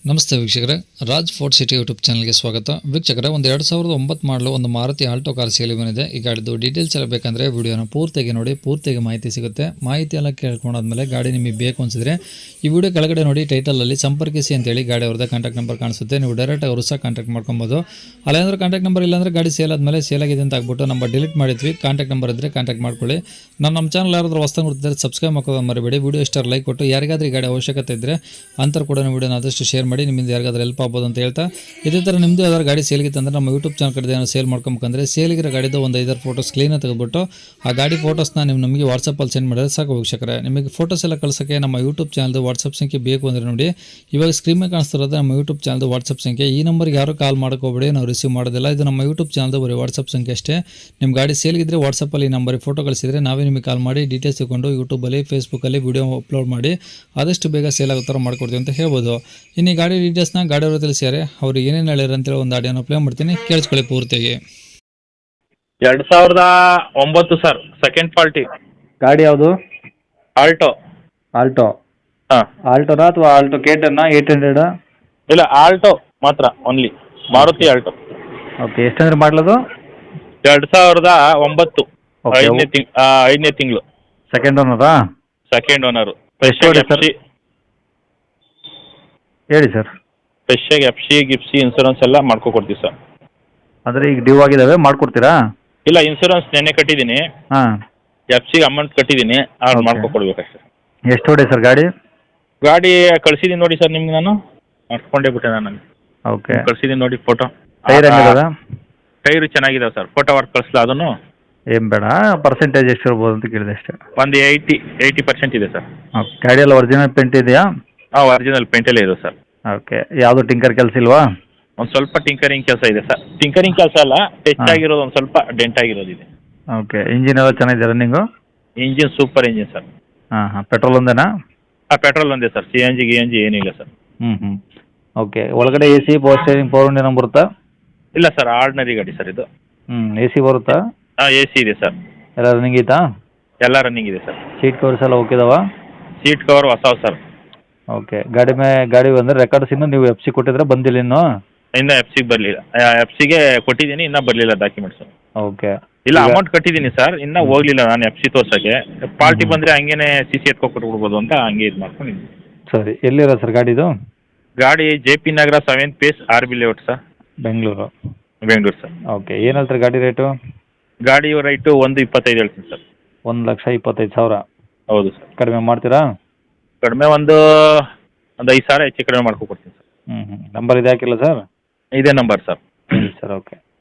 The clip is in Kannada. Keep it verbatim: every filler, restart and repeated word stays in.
ನಮಸ್ತೆ ವೀಕ್ಷಕರೇ, ರಾಜ್ ಫೋರ್ಟ್ ಸಿಟಿ ಯೂಟ್ಯೂಬ್ ಚಾನಲ್ಗೆ ಸ್ವಾಗತ. ವೀಕ್ಷಕರೇ, ಒಂದು ಎರಡು ಸಾವಿರದ ಒಂಬತ್ತು ಮಾಡಲು ಒಂದು ಮಾರುತಿ ಆಲ್ಟೋ ಕಾರ್ ಸೇಲಿ ಬಂದಿದೆ. ಈ ಗಾಡಿದು ಡೀಟೇಲ್ಸ್ ಎಲ್ಲ ಬೇಕಂದರೆ ವಿಡಿಯೋನ ಪೂರ್ತಿಯಾಗಿ ನೋಡಿ, ಪೂರ್ತಿಯಾಗಿ ಮಾಹಿತಿ ಸಿಗುತ್ತೆ. ಮಾಹಿತಿ ಎಲ್ಲ ಕೇಳ್ಕೊಂಡಾದ್ಮೇಲೆ ಗಾಡಿ ನಿಮಗೆ ಬೇಕು ಅನಿಸಿದ್ರೆ ಈ ವಿಡಿಯೋ ಕೆಳಗಡೆ ನೋಡಿ ಟೈಟಲಲ್ಲಿ ಸಂಪರ್ಕಿಸಿ ಅಂತೇಳಿ ಗಾಡಿ ಅವ್ರದ್ದು ಕಾಂಟ್ಯಾಕ್ಟ್ ನಂಬರ್ ಕಾಣಿಸುತ್ತೆ. ನೀವು ಡೈರೆಕ್ಟ್ ಅವರು ಸಹ ಕಾಂಟ್ಯಾಕ್ಟ್ ಮಾಡ್ಕೊಬೋದು. ಅಲ್ಲೇಂದ್ರೆ ಕಾಂಟ್ಯಾಕ್ಟ್ ನಂಬರ್ ಇಲ್ಲಾಂದರೆ ಗಾಡಿ ಸೇಲ್ ಆದಮೇಲೆ ಸೇಲ್ ಆಗಿದೆ ಅಂತ ಆಗ್ಬಿಟ್ಟು ನಂಬರ್ ಡಿಲೀಟ್ ಮಾಡಿದ್ವಿ. ಕಾಂಟ್ಯಾಕ್ಟ್ ನಂಬರ್ ಇದ್ದರೆ ಕಾಂಟ್ಯಾಕ್ಟ್ ಮಾಡ್ಕೊಳ್ಳಿ. ನಾನು ನಮ್ಮ ಚಾನಲ್ ಯಾರಾದರೂ ಹೊಸ್ತಾಗಿ ನೋಡ್ತಿದ್ದಾರೆ ಸಬ್ಸ್ಕ್ರೈಬ್ ಮಾಡ್ಕೋದು ಮರಿಬೇಡಿ. ವಿಡಿಯೋ ಇಷ್ಟ ಲೈಕ್ ಕೊಟ್ಟು ಯಾರಿಗಾದ್ರೂ ಈ ಗಾಡಿ ಅವಶ್ಯಕತೆ ಇದ್ದರೆ ಅಂತರ ಕೂಡ ವಿಡಿಯೋನ ಆದಷ್ಟು ಶೇರ್ ಮಾಡಿ, ನಿಮ್ಮಿಂದ ಯಾರಿಗಾದ್ರೂ ಹೆಲ್ಪ್ ಆಗ್ಬೋದು ಅಂತ ಹೇಳ್ತಾ, ಇದೇ ಥರ ನಿಮ್ಮದು ಯಾವ್ದಾದ್ರು ಗಾಡಿ ಸೇಲ್ಗಿತ್ತು ಅಂದರೆ ನಮ್ಮ ಯೂಟ್ಯೂಬ್ ಚಾನಲ್ ಕಡೆ ಏನೋ ಸೇಲ್ ಮಾಡ್ಕೊಬೇಕಂದ್ರೆ ಸೇಲಿಗಿರೋ ಗಾಡಿದು ಒಂದು ಐದಾರು ಫೋಟೋಸ್ ಕ್ಲೀನಾಗಿ ತೆಗೆದುಬಿಟ್ಟು ಆ ಗಾಡಿ ಫೋಟೋಸ್ನ ನೀವು ನಮಗೆ ವಾಟ್ಸಪ್ಪಲ್ಲಿ ಸೆಂಡ್ ಮಾಡಿದ್ರೆ ಸಾಕು ವೀಕ್ಷಕರೇ. ನಿಮಗೆ ಫೋಟೋಸ್ ಎಲ್ಲ ಕಳ್ಸೋಕ್ಕೆ ನಮ್ಮ ಯೂಟ್ಯೂಬ್ ಚಾನಲ್ದು ವಾಟ್ಸಪ್ ಸಂಖ್ಯೆ ಬೇಕು ಅಂದರೆ ನೋಡಿ, ಇವಾಗ ಸ್ಕ್ರೀನ್ ಮೇಲೆ ಕಾಣಿಸ್ತಿರೋದು ನಮ್ಮ ಯೂಟ್ಯೂಬ್ ಚಾನಲ್ದು ವಾಟ್ಸಪ್ ಸಂಖ್ಯೆ. ಈ ನಂಬರ್ಗೆ ಯಾರು ಕಾಲ್ ಮಾಡ್ಕೋಬೇಡಿ, ನಾವು ರಿಸೀವ್ ಮಾಡೋದಿಲ್ಲ. ಇದು ನಮ್ಮ ಯೂಟ್ಯೂಬ್ ಚಾನಲ್ದು ಬರೀ ವಾಟ್ಸಪ್ ಸಂಖ್ಯೆ ಅಷ್ಟೇ. ನಿಮ್ಮ ಗಾಡಿ ಸೇಲ್ಗಿದ್ರೆ ವಾಟ್ಸಪ್ಪಲ್ಲಿ ಈ ನಂಬರಿಗೆ ಫೋಟೋ ಕಳಿಸಿದರೆ ನಾವೇ ನಿಮಗೆ ಕಾಲ್ ಮಾಡಿ ಡೀಟೇಲ್ಸ್ ತಗೊಂಡು ಯೂಟ್ಯೂಬಲ್ಲಿ ಫೇಸ್ಬುಕ್ಕಲ್ಲಿ ವಿಡಿಯೋ ಅಪ್ಲೋಡ್ ಮಾಡಿ ಆದಷ್ಟು ಬೇಗ ಸೇಲ್ ಆಗೋ ಥರ ಮಾಡ್ಕೊಡ್ತೀವಿ ಅಂತ ಹೇಳ್ಬೋದು. ಇನ್ನು ಈ ಗಾಡಿ ಡೀಟೇಲ್ಸ್ನ ಗಾಡಿಯವರು ತಿಳಿಸಿದ್ದಾರೆ, ಅವ್ರು ಏನೇನು ಹೇಳಿದ್ರು ಅಂತೇಳಿ ಒಂದು ಆಡಿಯೋನ ಪ್ಲೇ ಮಾಡ್ತೀನಿ, ಕೇಳಿಸ್ಕೊಳ್ಳಿ ಪೂರ್ತಿಯಾಗಿ. ಎರಡು ಸಾವಿರದ ಒಂಬತ್ತು ಸರ್, ಸೆಕೆಂಡ್ ಪಾರ್ಟಿ ಗಾಡಿ ಯಾವುದು? ಆಲ್ಟೋ. ಆಲ್ಟೋ ಹಾಂ, ಆಲ್ಟೋನಾ ಅಥವಾ ಆಲ್ಟೋ ಕೇಟನ್ನ ಏಟ್ ಹಂಡ್ರೆಡಾ? ಇಲ್ಲ ಆಲ್ಟೋ ಮಾತ್ರ, ಓನ್ಲಿ ಮಾರುತಿ ಆಲ್ಟೋ. ಓಕೆ, ಎಷ್ಟಂದ್ರೆ ಮಾಡಲದು? ಎರಡು ಸಾವಿರದ ಒಂಬತ್ತು, Okay. ಐದನೇ ತಿಂಗ್ ಐದನೇ ತಿಂಗಳು, ಸೆಕೆಂಡ್ ಓನರಾ? Second owner. ಎಷ್ಟು ಹೊಡೆ ಸರ್? ಹೇಳಿ ಸರ್. ಫ್ರೆಶ್ಶಾಗಿ ಎಫ್ ಸಿ ಗಿಫ್ಸಿ ಇನ್ಸೂರೆನ್ಸ್ ಎಲ್ಲ ಮಾಡ್ಕೊ ಕೊಡ್ತೀವಿ ಸರ್. ಅಂದರೆ ಈಗ ಡ್ಯೂ ಆಗಿದ್ದಾವೆ, ಮಾಡಿಕೊಡ್ತೀರಾ? ಇಲ್ಲ, ಇನ್ಸೂರೆನ್ಸ್ ನೆನ್ನೆ ಕಟ್ಟಿದ್ದೀನಿ, ಹಾಂ. ಎಫ್ ಸಿಗೆ ಅಮೌಂಟ್ ಕಟ್ಟಿದ್ದೀನಿ, ಅದು Okay. ಮಾಡ್ಕೊ ಕೊಡ್ಬೇಕಷ್ಟೆ. ಎಷ್ಟು ಹೊಡೆ ಸರ್ ಗಾಡಿ? ಗಾಡಿ ಕಳ್ಸಿದ್ದೀನಿ ನೋಡಿ ಸರ್ ನಿಮ್ಗೆ, ನಾನು ಮಾಡ್ಕೊಂಡೇ ಬಿಟ್ಟೆ ನಾನು ಓಕೆ. ಕಳ್ಸಿದ್ದೀನಿ ನೋಡಿ ಫೋಟೋ. ಟೈರ್ ಹೆಂಗಿದಾವೆ? ಟೈರು ಚೆನ್ನಾಗಿದಾವೆ ಸರ್, ಫೋಟೋ ವರ್ಕ್ ಕಳಿಸ್ಲ ಅದನ್ನು? ಏನು ಬೇಡ, ಪರ್ಸೆಂಟೇಜ್ ಎಷ್ಟು ಇರ್ಬೋದು ಅಂತ ಕೇಳಿದೆ ಅಷ್ಟೇ. ಒಂದು ಏಯ್ಟಿ ಏಯ್ಟಿ ಪರ್ಸೆಂಟ್ ಇದೆ ಸರ್. ಓಕೆ, ಗಾಡಿ ಎಲ್ಲ ಒರಿಜಿನಲ್ ಪೇಂಟ್ ಇದೆಯಾ? ಹಾಂ, ಒರಿಜಿನಲ್ ಪೇಂಟಲ್ಲೇ ಇದೆ ಸರ್. ಓಕೆ, ಯಾವುದು ಟಿಂಕರ್ ಕೆಲಸ ಇಲ್ವಾ? ಒಂದು ಸ್ವಲ್ಪ ಟಿಂಕರಿಂಗ್ ಕೆಲಸ ಇದೆ ಸರ್. ಟಿಂಕರಿಂಗ್ ಕೆಲಸ ಅಲ್ಲ, ಟಚ್ ಹಾಂ. ಆಗಿರೋದು ಒಂದು ಸ್ವಲ್ಪ ಡೆಂಟ್ ಆಗಿರೋದಿದೆ. ಓಕೆ, ಇಂಜಿನ್ ಎಲ್ಲ ಚೆನ್ನಾಗಿದೆ running? Engine super engine sir. ಹಾಂ ಹಾಂ, ಪೆಟ್ರೋಲ್ ಒಂದೇನಾ? ಹಾಂ, ಪೆಟ್ರೋಲ್ ಒಂದೇ ಸರ್, ಸಿ ಎನ್ ಜಿ ಗಿ ಎನ್ ಜಿ ಏನಿಲ್ಲ ಸರ್. ಹ್ಞೂ ಹ್ಞೂ. ಓಕೆ, ಒಳಗಡೆ A C, power steering, power window ಬರುತ್ತಾ? ಇಲ್ಲ ಸರ್, ಆರ್ಡಿನರಿ ಗಾಡಿ ಸರ್ ಇದು. ಹ್ಞೂ, ಎ ಸಿ ಬರುತ್ತಾ? ಹಾಂ, ಎ ಸಿ ಇದೆ ಸರ್. ಎಲ್ಲ ರನ್ನಿಂಗ್ ಐತಾ? ಎಲ್ಲ ರನ್ನಿಂಗ್ ಇದೆ ಸರ್. ಸೀಟ್ ಕವರ್ಸ್ ಎಲ್ಲ ಓಕೆ ಇದಾವಾ? ಸೀಟ್ ಕವರ್ ಹೊಸವು ಸರ್. ಓಕೆ, ಗಾಡಿ ಮೇ ಗಾಡಿ ಅಂದರೆ ರೆಕಾರ್ಡ್ಸ್ ಇನ್ನೂ ನೀವು ಎಫ್ ಸಿ ಕೊಟ್ಟಿದ್ರೆ ಬಂದಿಲ್ಲ ಇನ್ನೂ? ಇನ್ನೂ ಎಫ್ ಸಿಗೆ ಬರಲಿಲ್ಲ. ಎಫ್ ಸಿಗೆ ಕೊಟ್ಟಿದ್ದೀನಿ, ಇನ್ನೂ ಬರಲಿಲ್ಲ ಡಾಕ್ಯುಮೆಂಟ್ಸು. ಓಕೆ. ಇಲ್ಲ, ಅಮೌಂಟ್ ಕಟ್ಟಿದ್ದೀನಿ ಸರ್, ಇನ್ನೂ ಹೋಗಲಿಲ್ಲ ನಾನು ಎಫ್ ಸಿ ತೋರ್ಸೋಕ್ಕೆ. ಪಾರ್ಟಿ ಬಂದರೆ ಹಂಗೇನೆ ಸಿ ಸಿ ಎತ್ಕೊಟ್ಬಿಡ್ಬೋದು ಅಂತ ಹಂಗೆ ಇದು ಮಾಡ್ಕೊಂಡಿದ್ದೀನಿ. ಸರಿ, ಎಲ್ಲಿರೋ ಸರ್ ಗಾಡಿದು? ಗಾಡಿ J P Nagar seventh phase R B layout sir, Bengaluru. Bengaluru sir. Okay, ಏನು ಹೇಳ್ತಾರೆ ಗಾಡಿ ರೇಟು? ಗಾಡಿ ರೈಟು ಒಂದು ಇಪ್ಪತ್ತೈದು ಹೇಳ್ತೀನಿ ಸರ್. ಒಂದು ಲಕ್ಷ ಇಪ್ಪತ್ತೈದು ಸಾವಿರ? ಹೌದು ಸರ್. ಕಡಿಮೆ ಮಾಡ್ತೀರಾ? ಕಡಿಮೆ ಒಂದು ಒಂದು ಐದು ಸಾವಿರ ಹೆಚ್ಚು ಕಡಿಮೆ ಮಾಡ್ಕೊಡ್ತೀನಿ ಸರ್. ಹ್ಞೂ ಹ್ಞೂ. ನಂಬರ್ ಇದು ಹಾಕಿಲ್ಲ ಸರ್? ಇದೇ ನಂಬರ್ ಸರ್. Sir okay.